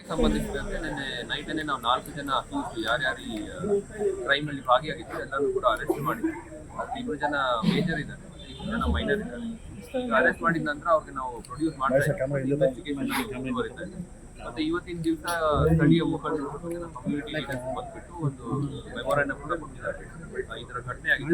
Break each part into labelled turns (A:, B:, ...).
A: ಸಂಬಂಧಿಸಿದಂತೆ ನಿನ್ನೆ ನೈಟನ್ನೇ ನಾವು 4 ಜನ ಅಕ್ಯೂಸ್ ಯಾರ್ಯಾರು ಈ ಕ್ರೈಮಲ್ಲಿ ಭಾಗಿಯಾಗಿದ್ರು ಎಲ್ಲರೂ ಕೂಡ ಅರೆಸ್ಟ್ ಮಾಡಿದ್ವಿ. 2 ಜನ ಮೇಜರ್ ಇದ್ದಾರೆ, 2 ಜನ ಮೈನರ್ ಇದ್ದಾರೆ. ಅರೆಸ್ಟ್ ಮಾಡಿದ ನಂತರ ಅವ್ರಿಗೆ ನಾವು ಪ್ರೊಡ್ಯೂಸ್ ಮಾಡ್ತಾ ಇನ್ವೆಸ್ಟಿಗೇಷನ್ ಮುಂದುವರಿತಾ ಇದೆ. ಮತ್ತೆ ಇವತ್ತಿನ ದಿವಸ ಸ್ಥಳೀಯ ಮುಖಂಡರು ಕಮ್ಯುನಿಟಿ ಲೀಡರ್ಸ್ ಬಂದ್ಬಿಟ್ಟು ಒಂದು ಮೆಮೊರಾಂಡಮ್ ಕೂಡ ಕೊಟ್ಟಿದ್ದಾರೆ. ಇದರ ಘಟನೆ ಆಗಿದೆ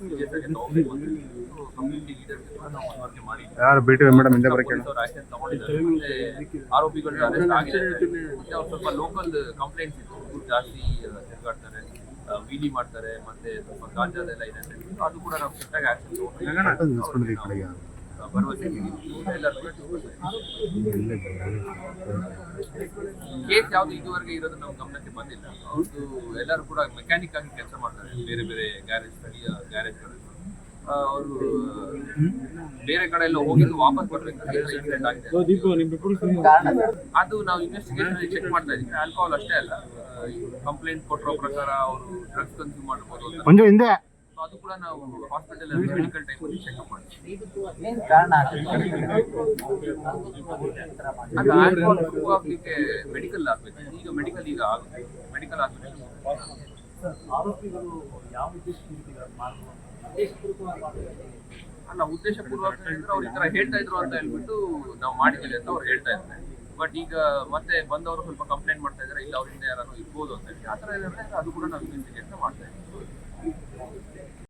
A: ಕಮ್ಯುನಿಟಿ ಲೀಡರ್ಸ್ ನಾವು ಮನವರಿಕೆ ಮಾಡಿ ಆಕ್ಷನ್ ತಗೊಂಡಿದ್ದಾರೆ. ಮತ್ತೆ ಆರೋಪಿಗಳು ಅರೆಸ್ಟ್ ಆಗಿದೆ. ಮತ್ತೆ ಅವ್ರು ಸ್ವಲ್ಪ ಲೋಕಲ್ ಕಂಪ್ಲೇಂಟ್ಸ್ ಇತ್ತು, ಜಾಸ್ತಿ ತಿರುಗಾಡ್ತಾರೆ, ವೀಲಿ ಮಾಡ್ತಾರೆ, ಮತ್ತೆ ಸ್ವಲ್ಪ ಗಾಂಜಾದೆಲ್ಲ ಇದೆ ಅಂತ ಹೇಳಿದ್ರು. ಅದು ಕೂಡ ನಾವು ಕೆಟ್ಟಾಗಿ ಆಕ್ಷನ್ ತಗೊಂಡಿದ್ದೀವಿ. ಭರವಸೆ ಕೇಸ್ ಯಾವ್ದು ಇದುವರೆಗೆ ಇರೋದು ನಮ್ಮ ಗಮನಕ್ಕೆ ಬಂದಿಲ್ಲ. ಅವ್ರದ್ದು ಎಲ್ಲರೂ ಕೂಡ ಮೆಕ್ಯಾನಿಕ್ ಆಗಿ ಕೆಲಸ ಮಾಡ್ತಾರೆ ಬೇರೆ ಬೇರೆ ಗ್ಯಾರೇಜ್, ಸ್ಥಳೀಯ ಗ್ಯಾರೇಜ್ಗಳಲ್ಲಿ. ಅವರು ಬೇರೆ ಕಡೆ ಎಲ್ಲ ಹೋಗಿದ್ದು ವಾಪಸ್ ಬರ್ಬೇಕಾದ್ರೆ ಇನ್ಸಿಡೆಂಟ್ ಆಗಿದೆ. ಅದು ನಾವು ಇನ್ವೆಸ್ಟಿಗೇಷನ್ ಚೆಕ್ ಮಾಡ್ತಾ ಇದ್ದೀವಿ. ಆಲ್ಕೋಹಾಲ್ ಅಷ್ಟೇ ಅಲ್ಲ, ಕಂಪ್ಲೇಂಟ್ ಕೊಟ್ಟಿರೋ ಪ್ರಕಾರ ಅವರು ಡ್ರಗ್ಸ್ ಕನ್ಸ್ಯೂಮ್ ಮಾಡ್ಬೋದು. ಅದು ಕೂಡ ನಾವು ಹಾಸ್ಪಿಟಲ್ ಮೆಡಿಕಲ್ ಟೈಮ್ ಚೆಕ್ಅಪ್ ಮಾಡ್ತೀವಿ. ಅದು ಆಲ್ಕೋಹಾಲ್ ಪ್ರೂವ್ ಆಗ್ಲಿಕ್ಕೆ ಮೆಡಿಕಲ್ ಆಗ್ಬೇಕು. ಈಗ ಮೆಡಿಕಲ್ ಆಗುತ್ತೆ, ಮೆಡಿಕಲ್ ಆಗ್ಬೇಕು. ಅಲ್ಲ, ಉದ್ದೇಶ ಪೂರ್ವಕ ಹೇಳಿದ್ರೆ ಅವ್ರು ಈ ತರ ಹೇಳ್ತಾ ಇದ್ರು ಅಂತ ಹೇಳ್ಬಿಟ್ಟು ನಾವು ಮಾಡಿದ್ದೀವಿ ಅಂತ ಅವ್ರು ಹೇಳ್ತಾ ಇದ್ದಾರೆ. ಬಟ್ ಈಗ ಮತ್ತೆ ಬಂದವರು ಸ್ವಲ್ಪ ಕಂಪ್ಲೇಂಟ್ ಮಾಡ್ತಾ ಇದ್ದಾರೆ, ಇಲ್ಲ ಅವ್ರಿಂದ ಯಾರು ಇರ್ಬೋದು ಅಂತ ಹೇಳಿ. ಆ ತರ ಏನಾದ್ರೆ ಅದು ಕೂಡ ನಾವು ಇನ್ವೆಸ್ಟಿಗೇಷನ್ ಮಾಡ್ತಾ ಇದ್ದೀವಿ.